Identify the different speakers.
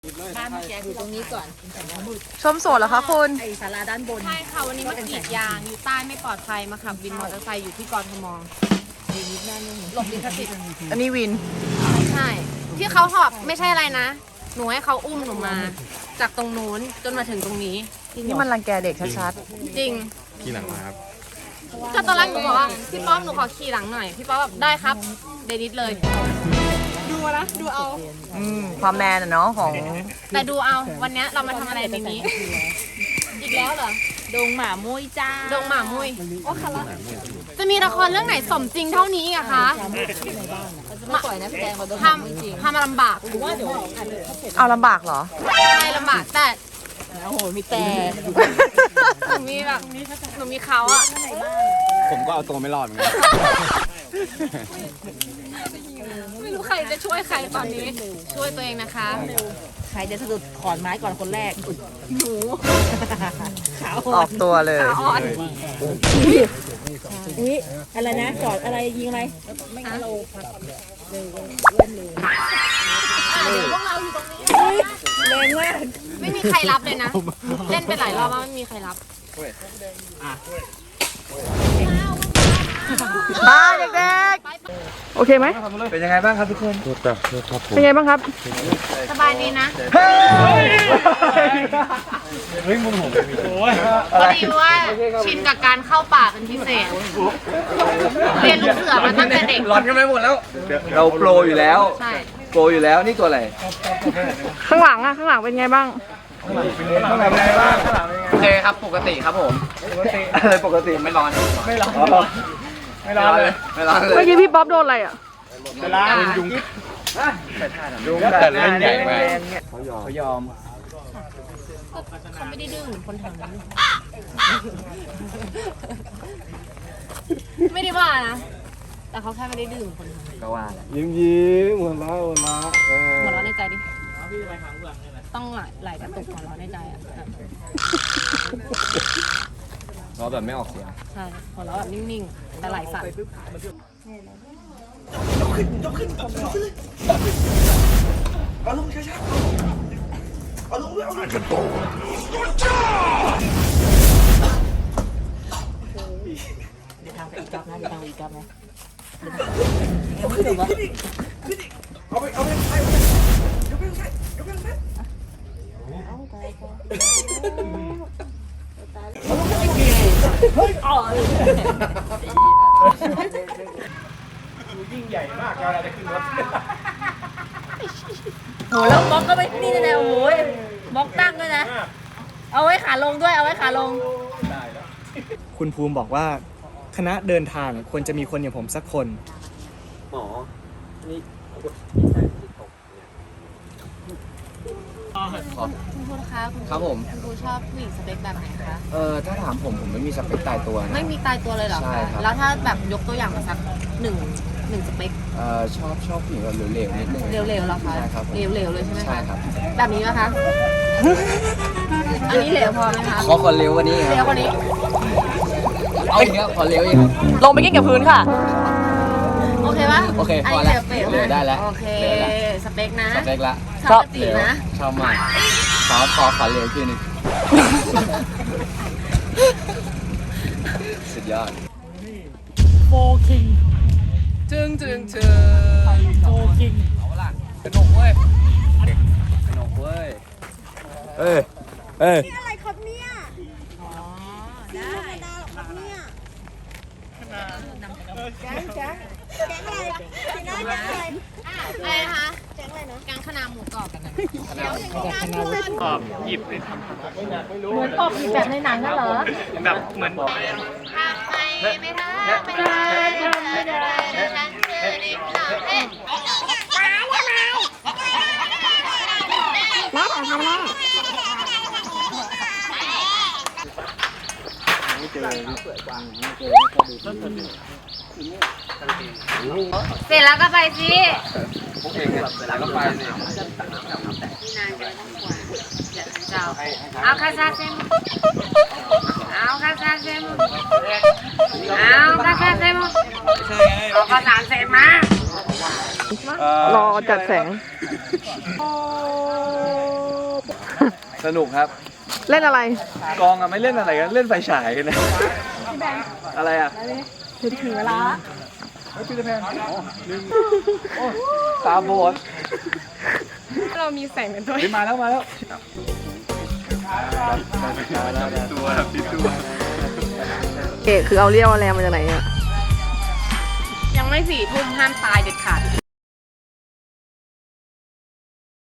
Speaker 1: บ้านเมื่อกี้อยู่ตรงนี้ก่อน
Speaker 2: ชมสวนเหรอคะคุณ
Speaker 1: ไอศาลาด้านบน
Speaker 3: ใช่ค่ะวันนี้มากรีดยางอยู่ใต้ไม่ปลอดภัยมาขับวินมอเตอร์ไซค์อยู่ที่กรทมหลบลิขสิทธิ์
Speaker 2: อันนี้วิน
Speaker 3: ใช่ที่เขาหอบไม่ใช่อะไรนะ หนูให้เขาอุ้มหนูมา จากตรงนู้นจนมาถึงตรงนี้
Speaker 2: นี่มันรังแกเด็กชัด
Speaker 3: จริง
Speaker 4: ขี่หลังมาครับ
Speaker 3: ก็ตอนแรกหนูบอกว่าพี่ป้อมหนูขอขี่หลังหน่อยพี่ป้อมแบบได้ครับเดนิดเลย ดูนะดูเอา
Speaker 2: ๆความแมนอะเนาะของ
Speaker 3: แต่ดูเอาวันนี้เรามาทำอะไรในนี้ อีกแล้วเหรอ
Speaker 1: ดงหมามุ้ยจ้า
Speaker 3: ดงหมามุ้ยโอ้ค่ะละจะมีละครเรื่องไหนสมจริงเท่านี้อะคะ
Speaker 1: ไม่ปล่อยนะพี่แดงเราดง
Speaker 3: ทำมาลำบาก
Speaker 1: ว่าเดี๋ยว
Speaker 2: เอาลำบากเหรอ
Speaker 3: ใช่ลำบากแต่
Speaker 1: โอ้โหมีแต่
Speaker 3: หนูมีแบบหนูมีเขาอะ
Speaker 4: ผมก็เอาตัวไม่รอดเหมือนกัน
Speaker 3: ไม่รู้ใครจะช่วยใครตอนนี้ ช่วยตัวเองนะคะ
Speaker 1: ใครจะสะดุดขอนไม้ก่อนคนแรกหนูขาว
Speaker 2: ออกตัวเลย
Speaker 3: ขาอ่อน
Speaker 1: อุ้ยอะไรนะจอดอะไรยิงอะไรไม่งั้นเรา
Speaker 3: เดี๋ยวพวกเราอยู่ตรงนี้
Speaker 1: แรงมาก
Speaker 3: ไม่มีใครรับเลยนะ เล่นไปหลายรอบแล้วไม่มีใครรับ
Speaker 2: บ้าเด็กๆ โอเคไหม
Speaker 5: เป็นยังไงบ้างครับทุกคน
Speaker 2: เป็นไงบ้างครับ
Speaker 3: สบายดีนะ
Speaker 5: เฮ้ยมึงผมโอ้ย
Speaker 3: พอดีว่าชินกับการเข้าป่าเป็นพิเศษ เรียนลูกเสือมาตั้งแต่เด็ก
Speaker 5: ร้อนกันไปหมดแล้ว เราโปรอยู่แล้ว
Speaker 3: ใช่
Speaker 5: โปรอยู่แล้ว นี่ตัวอะไร
Speaker 2: ข้างหลังอะข้างหลังเป็นไงบ้าง
Speaker 5: ต้องทำอะไรบ้างโอเคครับ ปกติครับผม อะไรปกติไม่ร้อน ไม่ร้อน ไม่ร้อนเลย ไม่ร้อนเลย
Speaker 2: เมื่อกี้พี่ป๊อปโดนอะไรอะ
Speaker 5: เวลายุงยุงแต่เล่นใหญ่มากเขายอม
Speaker 3: เขาไม่ได้ดื้อเหมือนคนแถวนั้นไม่ได้ว่านะ แต่เขาแค่ไม่ได้ดื้อเหมือนคนแถวนั้น
Speaker 5: ก็ว่า
Speaker 4: ยิ้มหัวเราะหัวเราะ
Speaker 3: หัวเราะในใจดิ ต้องไหลกระตุกหัวเราะในใจอ่ะ
Speaker 4: เราแบบไม่ออกเสียง
Speaker 3: ใช่หัวเราะแบบนิ่งๆ แต่ไหลสั่น
Speaker 1: เดี๋ยวทางไปอีกรอบนะเดี๋ยวทางไปอีกรอบนะโหแล้วบล็อกก็ไม่นี่เลยนะโอ้โหบล็อกตั้งด้วยนะ เอาไว้ขาลงด้วยเอาไว้ขาลง
Speaker 6: คุณภูมิบอกว่าคณะเดินทางควรจะมีคนอย่างผมสักคน
Speaker 3: คุณครูคะคุณ
Speaker 5: ครับผม
Speaker 3: ครูชอบผู้หญิงสเปคแบบไหนคะ
Speaker 5: ถ้าถามผมไม่มีสเปคตายตัวนะ
Speaker 3: ไม่มีตายตัวเลยเหรอ
Speaker 5: ใช่
Speaker 3: คะ
Speaker 5: ครับ
Speaker 3: แล้วถ้าแบบยกตัวอย่างมาสักหนึ่งสเปค
Speaker 5: ชอบผู้หญิงแบบเหลวๆนิดนึง
Speaker 3: เร็วๆเหรอคะ
Speaker 5: ใช่ครับผม
Speaker 3: เร็วๆเลยใช่ไหม
Speaker 5: ใช่
Speaker 3: คะ
Speaker 5: ครับ
Speaker 3: แบบนี้ไหมคะ อันนี้เหลวพอไหมคะ
Speaker 5: ขอเร็วกว่านี้ค
Speaker 3: เร็ว
Speaker 5: รับ
Speaker 3: กว่านี้
Speaker 5: เอาอีกครับขอเร็วอีกครับ
Speaker 2: ลงไปกิ้งกับพื้นค่ะ
Speaker 3: โอเคปะ
Speaker 5: โอเค
Speaker 3: อัน
Speaker 5: พอ
Speaker 3: นี้
Speaker 5: แล้ว
Speaker 3: เร็ว
Speaker 5: เร็วได้แล้ว
Speaker 3: โอเค
Speaker 5: เร็วแล้ว
Speaker 3: สเปคนะ
Speaker 5: สเปคละ
Speaker 3: ชอบจีนะ
Speaker 5: ชอบมากขอเร็วทีนึง สุดยอด
Speaker 2: จึงโฟกิง
Speaker 5: กระหนกเว้ยกระหนกเว้ย
Speaker 4: เอ้ยเอ้ย
Speaker 7: อะไรครับเนี่ยได้ธรรมดาหรอครับเนี่ยแก๊งอะไรพี่น้าแก๊งอะไร
Speaker 3: อะไรนะคะ
Speaker 7: แก๊งอะไรนะ
Speaker 3: แกงขนาหมูกรอบกันนะ
Speaker 7: เดี๋ยวอย่างนี้นะเพื่อน
Speaker 6: ตอบหยิบเลย
Speaker 3: เหมือนปอบผีแบบในหนังนั่นเหรอ
Speaker 6: แบบเหมือน
Speaker 3: ทำไมไม่ทำไม่ได้ฉันคือดิบหลังเอ๊ะ เสร็จแล้วก็ไปสิ
Speaker 5: พวกเองเนี่ยแล้วก็ไปสิ
Speaker 3: นี่นายจะไม่ต้องกลัวเดี๋ยวฉันจะเอาคาซาเซมเอาคาซาเซมเอาคาซาเซมเอาภาษาเซมมา
Speaker 2: รอจัดแสง
Speaker 5: สนุกครับ
Speaker 2: เล่นอะไร
Speaker 5: กองอะไม่เล่นอะไรกันเล่นไฟฉายกันนะอะไรอะ
Speaker 2: ถึงเวลา
Speaker 5: พี่แพนตาบอด
Speaker 2: เรามีแสงเป็นตัว
Speaker 5: มาแล้ว
Speaker 2: เอกคือเอาเรียวเอาแรงมาจากไหนอ่ะ
Speaker 3: ยังไม่4 ทุ่มห้ามตายเด็ดขาด